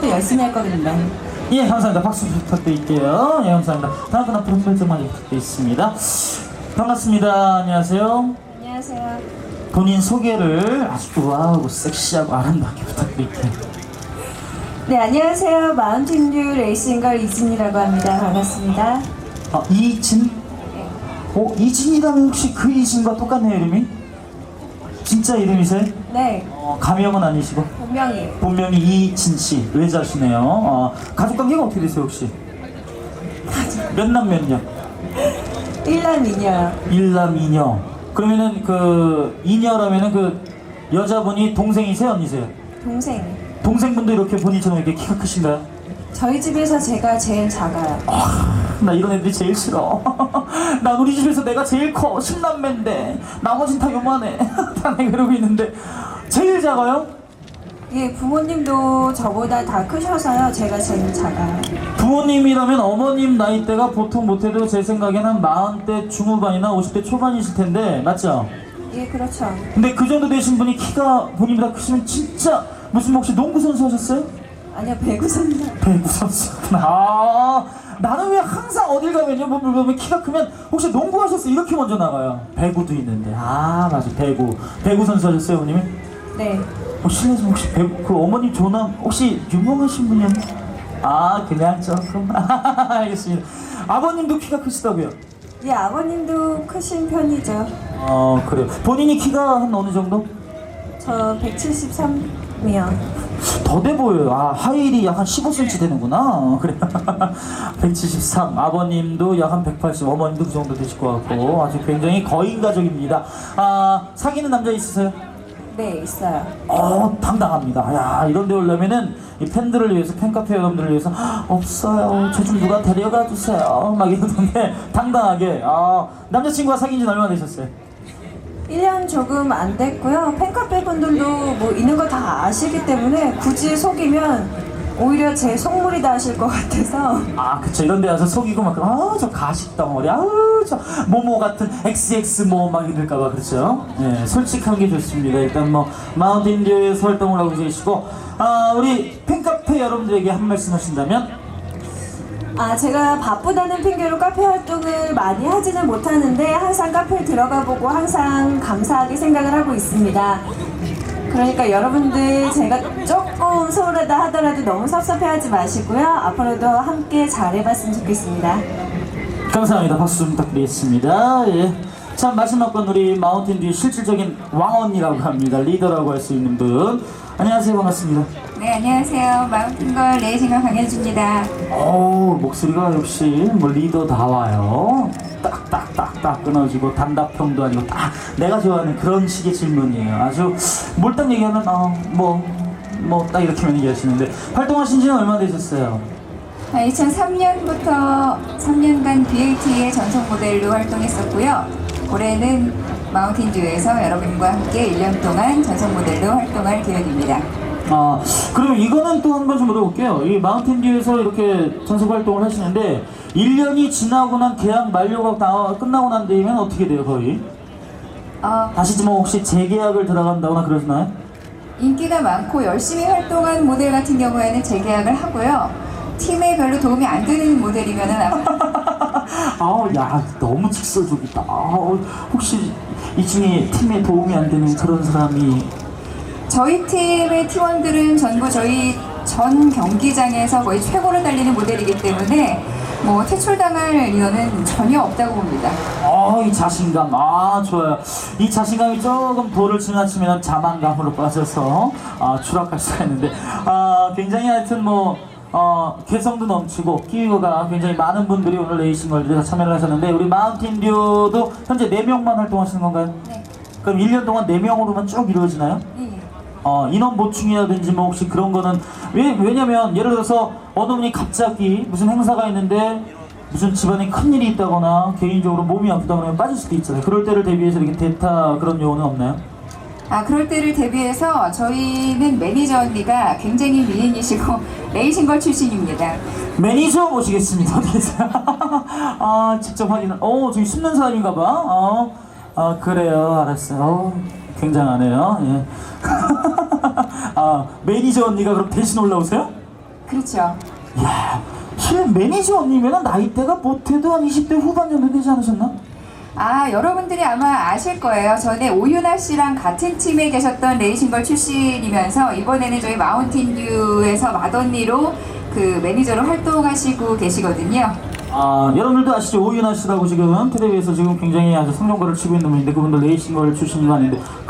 열심히 할 거거든요. 예, 감사합니다. 박수 부탁드릴게요. 예, 감사합니다. 다음 분 앞으로 한 발짝만 부탁드리겠습니다. 반갑습니다. 안녕하세요. 안녕하세요. 본인 소개를 아주 우아하고 섹시하고 아름답게 부탁드릴게요. 네, 안녕하세요. 마운틴듀 레이싱걸 이진이라고 합니다. 반갑습니다. 아, 이진? 이진이라면 혹시 그 이진과 똑같네요, 이름이? 진짜 이름이세요? 네, 가명은 아니시고? 본명이에요. 본명이 이진씨, 외자시네요. 가족 관계가 어떻게 되세요, 혹시? 몇 남 몇 녀? 1남 2녀요. 일남 이녀. 그러면은 그 이녀라면은 그 여자분이 동생이세요, 언니세요? 동생. 동생분도 이렇게 본인처럼 이렇게 키가 크신가요? 저희 집에서 제가 제일 작아요. 나 이런 애들이 제일 싫어. 난 우리 집에서 내가 제일 커. 10남매인데 나머진 다 요만해. 다 내가 이러고 있는데 제일 작아요? 예, 부모님도 저보다 다 크셔서요. 제가 제일 작아요. 부모님이라면 어머님 나이대가 보통 못해도 제 생각에는 한 40대 중후반이나 50대 초반이실 텐데 맞죠? 예, 그렇죠. 근데 그 정도 되신 분이 키가 본인보다 크시면 진짜 무슨 혹시 농구 선수 하셨어요? 아니요, 배구 선수. 배구 선수구나. 아, 나는 왜 항상 어딜 가면요 보면 키가 크면 혹시 농구 하셨어요? 이렇게 먼저 나가요. 배구도 있는데. 아, 맞아. 배구 선수 하셨어요, 어머님이? 네. 실례지만 혹시 배구 그 어머님 조남 혹시 유명하신 분이요? 아, 그냥 조금. 알겠습니다. 아버님도 키가 크시다고요? 예, 아버님도 크신 편이죠. 그래요. 본인이 키가 한 어느 정도? 저 173이요. 더 돼 보여요. 아, 하일이 약 한 15cm 되는구나. 그래. 173. 아버님도 약 한 180. 어머님도 그 정도 되실 것 같고 아주 굉장히 거인 가족입니다. 아, 사귀는 남자 있으세요? 네, 있어요. 당당합니다. 야, 이런 데 오려면은 이 팬들을 위해서, 팬카페 여러분들을 위해서 없어요. 저 좀 누가 데려가 주세요. 막 이러던데 당당하게. 남자친구가 사귄 지는 얼마나 되셨어요? 1년 조금 안 됐고요. 팬카페 분들도 뭐 있는 거 다 아시기 때문에 굳이 속이면 오히려 제 속물이다 하실 것 같아서. 그쵸. 이런 데 와서 속이고 막, 저 가식 덩어리, 저 모모 같은 XX 막 이럴까봐, 그렇죠? 네, 솔직한 게 좋습니다. 일단 마운틴듀에서 활동을 하고 계시고, 우리 팬카페 여러분들에게 한 말씀 하신다면? 제가 바쁘다는 핑계로 카페 활동을 많이 하지는 못하는데 항상 카페에 들어가 보고 항상 감사하게 생각을 하고 있습니다. 그러니까 여러분들 제가 조금 소홀하다 하더라도 너무 섭섭해하지 마시고요. 앞으로도 함께 잘해봤으면 좋겠습니다. 감사합니다. 박수 좀 부탁드리겠습니다. 예. 참, 마지막 건 우리 마운틴듀의 실질적인 왕언니라고 합니다. 리더라고 할 수 있는 분. 안녕하세요. 반갑습니다. 네, 안녕하세요. 마운틴걸 레이싱걸 강현주입니다. 목소리가 역시 리더다워요. 딱딱딱딱 끊어지고 단답형도 아니고 딱 내가 좋아하는 그런 식의 질문이에요. 아주 몰딱 얘기하면 딱 이렇게만 얘기하시는데 활동하신 지는 얼마나 되셨어요? 2003년부터 3년간 BAT의 전속 모델로 활동했었고요. 올해는 마운틴듀에서 여러분과 함께 1년 동안 전속 모델로 활동할 계획입니다. 그럼 이거는 또 한 번 좀 물어볼게요. 이 마운틴듀에서 이렇게 전속 활동을 하시는데 1년이 지나고 난 계약 만료가 끝나고 난 뒤에면 어떻게 돼요, 거의? 다시 좀 혹시 재계약을 들어간다거나 그러시나요? 인기가 많고 열심히 활동한 모델 같은 경우에는 재계약을 하고요. 팀에 별로 도움이 안 되는 모델이면은 야, 너무 직설적이다. 혹시 이 중에 팀에 도움이 안 되는 그런 사람이? 저희 팀의 팀원들은 전부 저희 전 경기장에서 거의 최고를 달리는 모델이기 때문에 퇴출당할 리언은 전혀 없다고 봅니다. 이 자신감. 좋아요. 이 자신감이 조금 도를 지나치면 자만감으로 빠져서 추락할 수가 있는데 굉장히 하여튼 개성도 넘치고 끼우가 굉장히 많은 분들이 오늘 레이싱월드에 참여를 하셨는데 우리 마운틴듀도 현재 4명만 활동하시는 건가요? 네. 그럼 1년 동안 4명으로만 쭉 이루어지나요? 네. 인원 보충이라든지 혹시 그런 거는 왜냐면 예를 들어서 어느 분이 갑자기 무슨 행사가 있는데 무슨 집안에 큰일이 있다거나 개인적으로 몸이 아프다 그러면 빠질 수도 있잖아요. 그럴 때를 대비해서 이렇게 대타 그런 요원은 없나요? 그럴 때를 대비해서 저희는 매니저 언니가 굉장히 미인이시고 레이싱걸 출신입니다. 매니저 모시겠습니다. 어디 계세요? 직접 확인을. 저기 숨는 사람인가 봐. 그래요. 알았어요. 굉장하네요. 예. 매니저 언니가 그럼 대신 올라오세요? 그렇죠. 야, 실은 매니저님이면 나이대가 못해도 한 20대 후반 정도 되지 않으셨나? 아, 여러분들이 아마 아실 거예요. 전에 오윤아 씨랑 같은 팀에 계셨던 레이싱걸 출신이면서 이번에는 저희 마운틴듀에서 맏언니로 그 매니저로 활동하시고 계시거든요. 아, 여러분들도 아시죠? 오윤아 씨라고 지금 텔레비에서 지금 굉장히 아주 성공거를 치고 있는 분인데 그분도 레이싱걸 출신이 아닌데